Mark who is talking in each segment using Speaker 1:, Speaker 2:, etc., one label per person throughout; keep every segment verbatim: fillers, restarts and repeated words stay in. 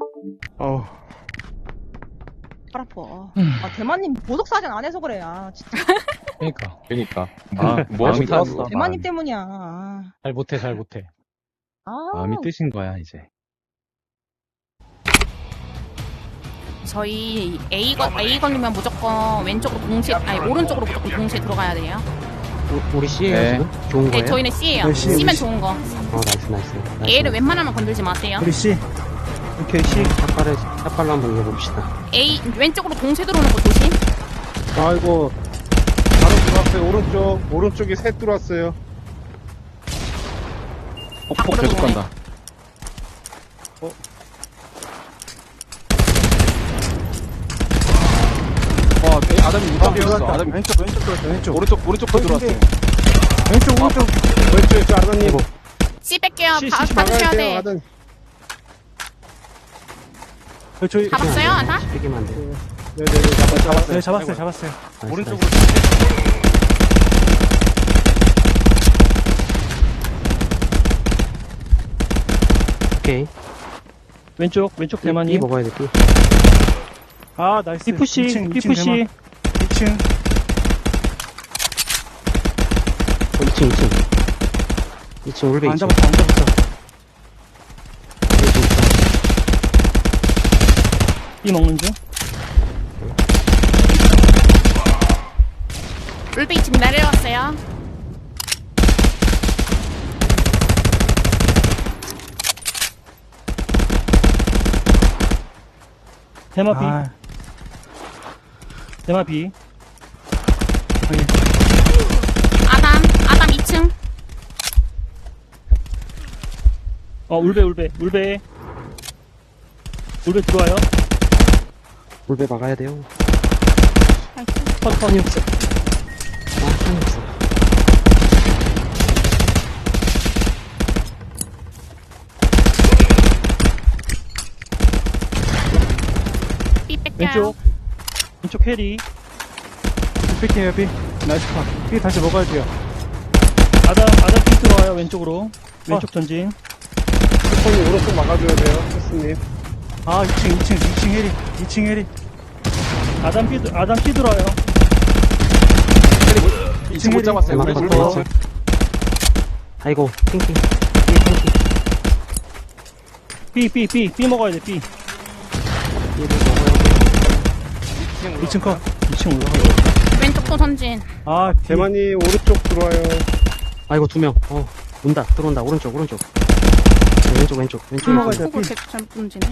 Speaker 1: 어.
Speaker 2: 팔 아파. 아, 대만님 보석사전 안 해서 그래. 아, 진짜.
Speaker 3: 그니까.
Speaker 4: 그니까.
Speaker 3: 아,
Speaker 4: 뭐
Speaker 3: 마음이
Speaker 4: 못하는
Speaker 3: 탔어.
Speaker 4: 거야.
Speaker 2: 대만님 때문이야. 아,
Speaker 3: 잘 못해, 잘 못해.
Speaker 2: 아.
Speaker 3: 마음이 뜨신 거야, 이제.
Speaker 5: 저희 A 건 A 걸리면 무조건 왼쪽으로 동시에 아니 오른쪽으로 무조건 동시에 들어가야 돼요.
Speaker 6: 우, 우리 C예요
Speaker 4: 네.
Speaker 6: 지금? 좋은
Speaker 5: 네,
Speaker 6: 거예요?
Speaker 5: 저희는 C예요.
Speaker 1: 네, C,
Speaker 5: C면
Speaker 1: 우리
Speaker 5: 좋은 거.
Speaker 6: 어 나이스 나이스, 나이스.
Speaker 5: A를 웬만하면 건들지 마세요.
Speaker 1: 우리 C. 오케이, C.
Speaker 6: 샷발을 샷발로 한번 이겨봅시다.
Speaker 5: A 왼쪽으로 동시에 들어오는 거 조심.
Speaker 1: 아이고. 바로 들어왔어요. 오른쪽. 오른쪽에 셋 들어왔어요.
Speaker 4: 폭, 폭 계속 간다. 어, 에, 아담이
Speaker 1: 아,
Speaker 4: 무탑이었어.
Speaker 1: 들어왔다.
Speaker 4: 아담이
Speaker 1: 왼쪽, 왼쪽 들어왔어. 왼쪽.
Speaker 4: 오른쪽, 오른쪽도 들어왔어요.
Speaker 1: 왼쪽, 오른쪽. 왼쪽, 왼쪽, 아드님.
Speaker 5: C 뺄게요.
Speaker 1: C,
Speaker 5: 봐-
Speaker 1: C
Speaker 5: 봐주셔야
Speaker 1: 막아야 돼요,
Speaker 5: 돼.
Speaker 1: 아드님. 네, 저희.
Speaker 5: 잡았어요, 아다?
Speaker 6: 삐기면 안 돼.
Speaker 1: 네네네, 잡았어요.
Speaker 7: 네, 잡았어요, 잡았어요.
Speaker 6: 나이스,
Speaker 4: 오른쪽으로.
Speaker 6: 나이스. 오케이.
Speaker 7: 왼쪽, 왼쪽
Speaker 6: B
Speaker 7: 대만이.
Speaker 6: 먹어야 돼 B.
Speaker 7: 아, 나이스. B푸시,
Speaker 1: 이층, 이층
Speaker 7: B푸시.
Speaker 1: 대만. 이 층.
Speaker 6: 어, 이 층 이 층. 이 층 올베
Speaker 1: 안
Speaker 6: 이 층.
Speaker 1: 잡았어, 안 잡았어.
Speaker 7: B 먹는 중.
Speaker 5: 울베 지금 내려왔어요.
Speaker 7: 대마 B.
Speaker 1: 아,
Speaker 7: 대마 B.
Speaker 5: 아담, 아담 이 층.
Speaker 7: 어, 울베, 울베, 울베. 울베 들어와요.
Speaker 6: 올베 막아야 돼요.
Speaker 7: 컷, 컷.
Speaker 6: 탄이 없어. 아 탄이 없어.
Speaker 5: B 뺄게요.
Speaker 7: 왼쪽. 왼쪽 캐리.
Speaker 1: 삐게요, 삐. 나이스 파. 삐 다시 먹어야 돼요.
Speaker 7: 아담, 아담 B 들어와요, 왼쪽으로. 왼쪽 전진.
Speaker 1: 스폰이 오른쪽 막아줘야 돼요, 패스님. 아, 이 층, 이 층, 이 층 해리. 이 층 해리.
Speaker 7: 아담 B, 들- 아담 B 들어와요.
Speaker 4: 이 층 못 잡았어요.
Speaker 6: 대만
Speaker 4: 왼쪽
Speaker 6: 컷
Speaker 4: 못
Speaker 6: 이 층.
Speaker 4: 잡았어요.
Speaker 6: 아이고 핑핑. B 핑핑.
Speaker 7: B, B, B. B 먹어야 돼, B.
Speaker 6: B를 먹어야 돼.
Speaker 1: 이 층 컷.
Speaker 7: 이 층 올라가요.
Speaker 5: 왼쪽도 전진.
Speaker 1: 아, 대만이 오른쪽 들어와요.
Speaker 6: 아이고 두 명. 어 온다 들어온다 오른쪽 오른쪽. 네, 왼쪽 왼쪽 왼쪽.
Speaker 1: 먹어야
Speaker 6: 왼쪽.
Speaker 1: 돼.
Speaker 5: 폭을 계속 잘못 던지네.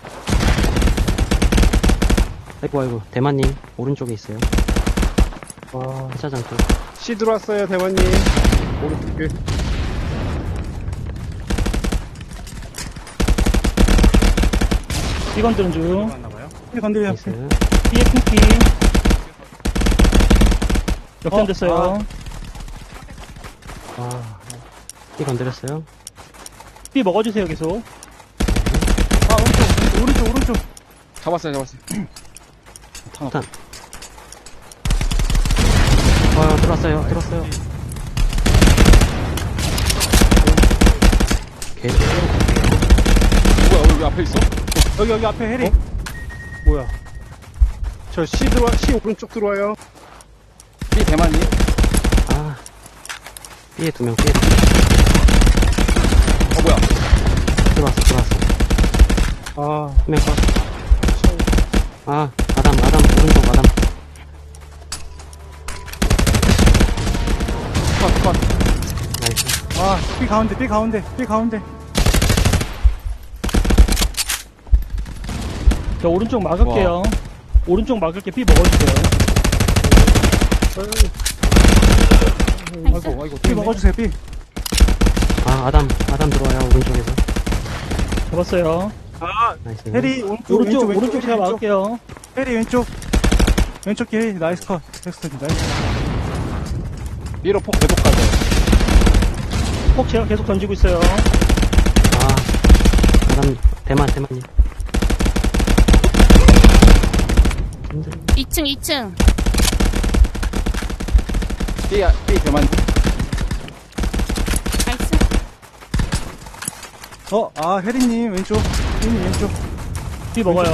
Speaker 6: 아이고 아이고 대만님 오른쪽에 있어요.
Speaker 1: 와.
Speaker 6: 회사장 쪽.
Speaker 1: C 들어왔어요, 대만님. 오른쪽에.
Speaker 7: B 건드는 중.
Speaker 1: 삐 건드려.
Speaker 6: 나이스.
Speaker 7: B의 핑키. 역전됐어요.
Speaker 6: 아, B 건드렸어요.
Speaker 7: B 먹어주세요, 계속.
Speaker 1: 아, 오른쪽, 오른쪽, 오른쪽.
Speaker 4: 잡았어요, 잡았어요.
Speaker 6: 탄. 아 들어왔어요 들어왔어요. 개.
Speaker 4: 뭐야, 여기 앞에 있어?
Speaker 1: 여기, 여기 앞에 해리. 뭐야. 저 C 들어와, C 오른쪽 들어와요.
Speaker 4: B 대만이.
Speaker 6: 아. B에 두 명. B에 두
Speaker 4: 어, 뭐야.
Speaker 6: 명. 들어왔어 들어왔어.
Speaker 1: 아,
Speaker 6: 한 명 컷. 아 아담 아담 오른쪽 아담.
Speaker 4: 컷, 컷.
Speaker 6: 나이스.
Speaker 1: 아, B 가운데, B 가운데, B 가운데.
Speaker 7: 저 오른쪽 막을게요. 오른쪽 막을게. B 먹어주세요.
Speaker 5: 나이스.
Speaker 4: 아이고, 아이고.
Speaker 1: B 먹어주세요, B.
Speaker 6: 아 아담 아담 들어와요 오른쪽에서.
Speaker 7: 잡았어요.
Speaker 1: 아,
Speaker 6: 나이스.
Speaker 1: 해리 오른쪽,
Speaker 7: 오른쪽,
Speaker 1: 왼쪽,
Speaker 7: 오른쪽 제가
Speaker 1: 왼쪽.
Speaker 7: 막을게요.
Speaker 1: 해리 왼쪽. 왼쪽 기 해리, 나이스 컷. 넥스트, 나이스.
Speaker 4: B로 폭 계속 가죠.
Speaker 7: 폭 제가 계속 던지고 있어요.
Speaker 6: 아 아담 대만 대만님. 힘들어.
Speaker 5: 이 층, 이 층.
Speaker 4: B, B 대만.
Speaker 5: 나이스.
Speaker 1: 어, 아, 혜리님 왼쪽. 혜리님 왼쪽.
Speaker 7: B 먹어요.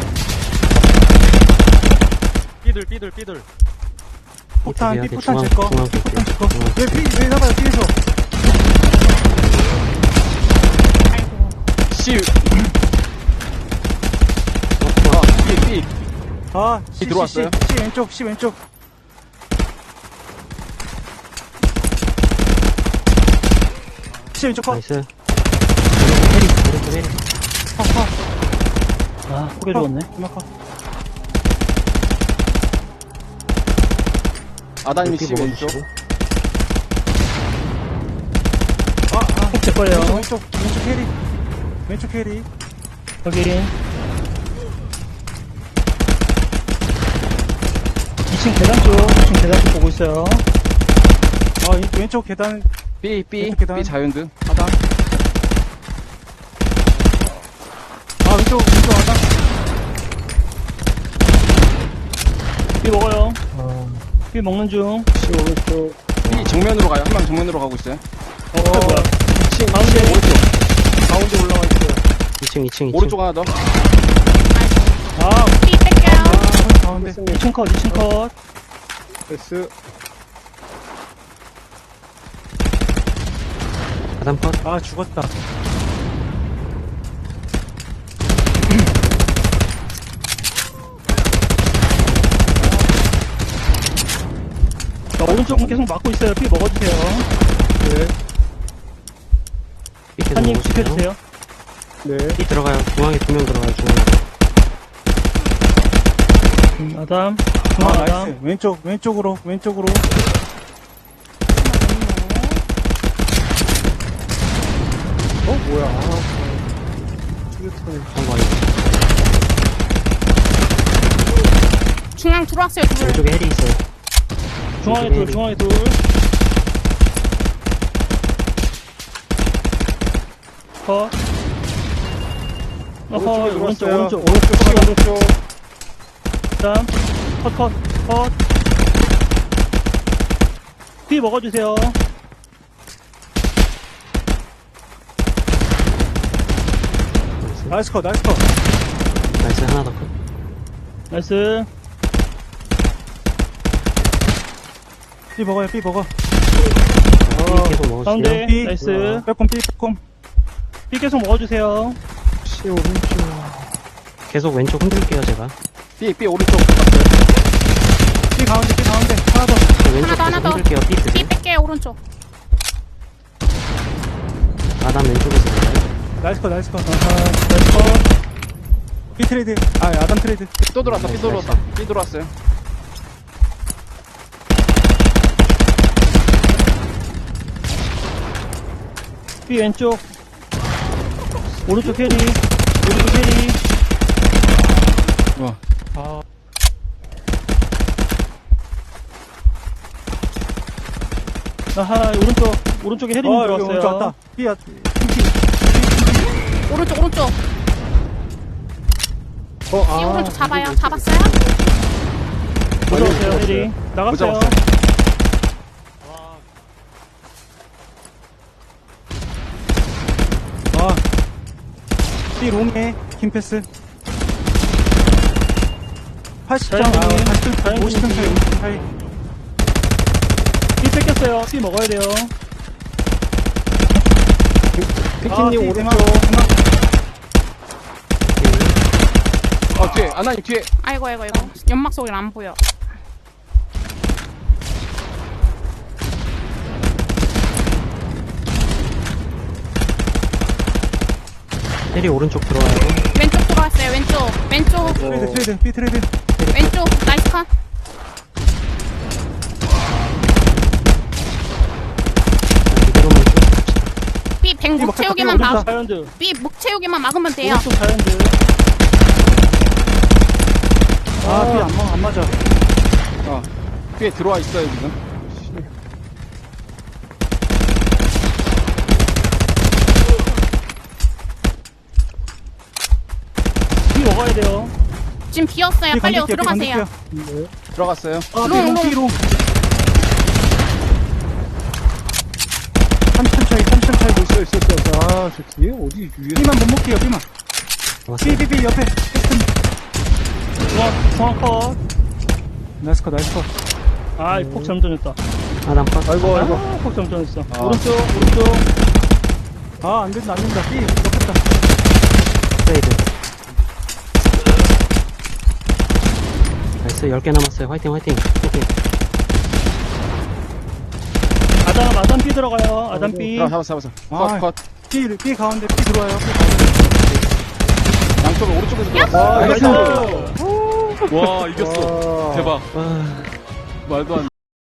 Speaker 3: 삐들, 삐들, 삐들.
Speaker 1: 폭탄,
Speaker 6: 중앙,
Speaker 1: 삐 폭탄
Speaker 6: 중앙,
Speaker 1: 제 거.
Speaker 6: 중앙
Speaker 1: 폭탄 제 거.
Speaker 6: 중앙.
Speaker 1: 왜 삐, 왜 나가요, 삐에서?
Speaker 4: C. 아, B, B.
Speaker 1: 아, C,
Speaker 4: 들어왔어요?
Speaker 1: C, C, C 왼쪽, C 왼쪽. C 왼쪽 컷.
Speaker 6: 나이스. 해리, 오른쪽 해리.
Speaker 1: 컷, 컷.
Speaker 7: 아, 고개 죽었네.
Speaker 1: 음악 컷.
Speaker 4: 아다님 C
Speaker 6: 삐
Speaker 4: 왼쪽.
Speaker 6: 먹어주시고.
Speaker 1: 아, 아.
Speaker 7: 폭제 거예요.
Speaker 1: 왼쪽, 왼쪽, 왼쪽 캐리. 왼쪽 캐리.
Speaker 7: 확인. 이 층 계단 쪽, 이 층 계단 쪽 보고 있어요.
Speaker 1: 아, 이- 왼쪽 계단.
Speaker 4: B, B,
Speaker 1: 왼쪽 계단.
Speaker 4: B 자연드.
Speaker 1: 하단. 아, 왼쪽, 왼쪽 하단.
Speaker 7: B 먹어요. B 먹는 중.
Speaker 4: B 정면으로 가요. 한 명 정면으로 가고 있어요.
Speaker 7: 어, 뭐야.
Speaker 4: 가운데 오른쪽. 가운데 올라가 있어요.
Speaker 6: 이 층, 이 층, 이 층.
Speaker 4: 오른쪽 하나 더.
Speaker 7: 아,
Speaker 5: B 뺄게요.
Speaker 1: 아, 가운데.
Speaker 7: 이 층 컷, 이 층 컷.
Speaker 1: S.
Speaker 6: 하단 컷.
Speaker 1: 아, 죽었다.
Speaker 7: 자, 오른쪽은 계속 막고 있어요. B 먹어주세요.
Speaker 6: 삐 계속
Speaker 7: 한님
Speaker 6: 먹어주세요.
Speaker 7: 지켜주세요.
Speaker 1: 네.
Speaker 6: 삐 들어가요. 중앙에 두 명 들어가요, 중앙에.
Speaker 7: 음, 아담.
Speaker 1: 아,
Speaker 7: 중앙
Speaker 1: 나이스.
Speaker 7: 아담.
Speaker 1: 왼쪽, 왼쪽으로, 왼쪽으로. 어, 뭐야. 아, 투게터네.
Speaker 6: 한거 아니지.
Speaker 5: 중앙 들어왔어요, 둘.
Speaker 6: 왼쪽에 해리 있어요.
Speaker 7: 중앙에 둘, 중앙에 둘. 컷. 어허, 오른쪽, 오른쪽, 오른쪽, 오른쪽. 다음. 컷, 컷, 컷. B 먹어주세요.
Speaker 1: 나이스 컷, 나이스 컷.
Speaker 6: 나이스, 하나 더 컷.
Speaker 7: 나이스.
Speaker 1: B 먹어요, B 먹어.
Speaker 6: 삐 계속 먹어주세요.
Speaker 7: 가운데.
Speaker 1: B.
Speaker 7: 나이스.
Speaker 1: 빼꼼, B 빼꼼.
Speaker 7: B 계속 먹어주세요.
Speaker 1: C 오른쪽.
Speaker 6: 계속 왼쪽 흔들게요, 제가.
Speaker 4: B, B 오른쪽.
Speaker 1: B 가운데, B 가운데. 하나 더.
Speaker 6: 저 왼쪽
Speaker 5: 하나 더, 하나
Speaker 6: 계속
Speaker 5: 더.
Speaker 6: 흔들게요, 삐
Speaker 5: B
Speaker 6: 드세요.
Speaker 5: 뺄게요, 오른쪽.
Speaker 6: 아담 왼쪽에서 들어가요.
Speaker 1: 나이스 컷, 나이스 컷.
Speaker 7: 아하, 나이스 컷.
Speaker 1: B 트레이드. 아, 아담 트레이드.
Speaker 4: 또 들어왔다. B 들어왔다. B 들어왔어요.
Speaker 7: B 왼쪽. 오른쪽 캐리. 오른쪽 캐리.
Speaker 4: 와.
Speaker 1: 아,
Speaker 7: 아하, 오른쪽. 오른쪽에 헤링
Speaker 1: 어, 여기
Speaker 7: 들어왔어요.
Speaker 1: 오른쪽 왔다. B, 야,
Speaker 5: 오른쪽, 오른쪽.
Speaker 1: 어,
Speaker 5: B
Speaker 1: 아.
Speaker 5: 오른쪽 잡아요. 잡았어요?
Speaker 7: 들어왔어요, 헤링. 나갔어요.
Speaker 4: 잡았어요.
Speaker 1: 아. B 롱에 긴 패스. 팔십 점, 아,
Speaker 7: 자연스럽게.
Speaker 1: 팔십 점,
Speaker 7: 자연스럽게.
Speaker 1: 오십 점 차이, 오십 점 차이.
Speaker 7: B 뺏겼어요. B 먹어야 돼요.
Speaker 1: 피키님 오른쪽.
Speaker 6: 삐.
Speaker 4: 어, 뒤에. 아나님 뒤에.
Speaker 5: 아이고, 아이고, 아이고. 연막 속이라 안 보여.
Speaker 6: 해리 오른쪽 들어와요.
Speaker 5: 왼쪽 들어왔어요, 왼쪽. 왼쪽,
Speaker 1: 트레이드, 트레이드, B 트레이드.
Speaker 5: 왼쪽. 나이스 컷.
Speaker 6: 이대로만 쭉 갑시다.
Speaker 5: B 백 목 채우기만
Speaker 1: 오른쪽.
Speaker 5: 막,
Speaker 7: 자연드.
Speaker 5: B 목 채우기만 막으면 돼요.
Speaker 7: 오른쪽 자연드.
Speaker 1: 아, B 안, 맞- 안 맞아.
Speaker 4: 어. B에 들어와 있어요, 지금.
Speaker 7: B 먹어야 돼요.
Speaker 5: 지금 비었어요.
Speaker 1: B
Speaker 5: 빨리
Speaker 1: 건들게요, B
Speaker 5: 들어가세요.
Speaker 1: 건들게요.
Speaker 4: 들어갔어요.
Speaker 1: 아,
Speaker 5: 롱,
Speaker 1: B롱,
Speaker 5: 롱.
Speaker 1: B롱. 삼십 점 차이, 삼십 점 차이. 있어, 있어, 있어. 아, 저 뒤에? 어디, 위에? B만 못 먹게요, B만.
Speaker 6: 왔어요.
Speaker 1: B, B, B 옆에.
Speaker 7: 중앙, 중앙 컷.
Speaker 1: 나이스 컷, 나이스 컷.
Speaker 7: 아, 폭 잘못 던졌다.
Speaker 6: 아, 난 파.
Speaker 4: 아이고, 아이고.
Speaker 7: 아, 폭 잘못 던졌어.
Speaker 4: 아.
Speaker 7: 오른쪽, 오른쪽.
Speaker 1: 아, 안 된다, 안 된다. 삐, 덮었다.
Speaker 6: 트레이드. 나이스, 열 개 남았어요. 화이팅, 화이팅. 오케이.
Speaker 7: 아담, 아담 B 들어가요. 아담 B.
Speaker 4: 잡았어, 잡았어.
Speaker 1: 아.
Speaker 4: 컷, 컷.
Speaker 1: 삐, 삐 가운데, 삐 들어와요. 삐 가운데.
Speaker 4: 양쪽으로 오른쪽에서 들어왔어.
Speaker 7: 아,
Speaker 4: 나이스.
Speaker 7: 나이스.
Speaker 3: 와, 이겼어.
Speaker 4: 와.
Speaker 3: 대박.
Speaker 6: 와.
Speaker 3: 말도 안 돼.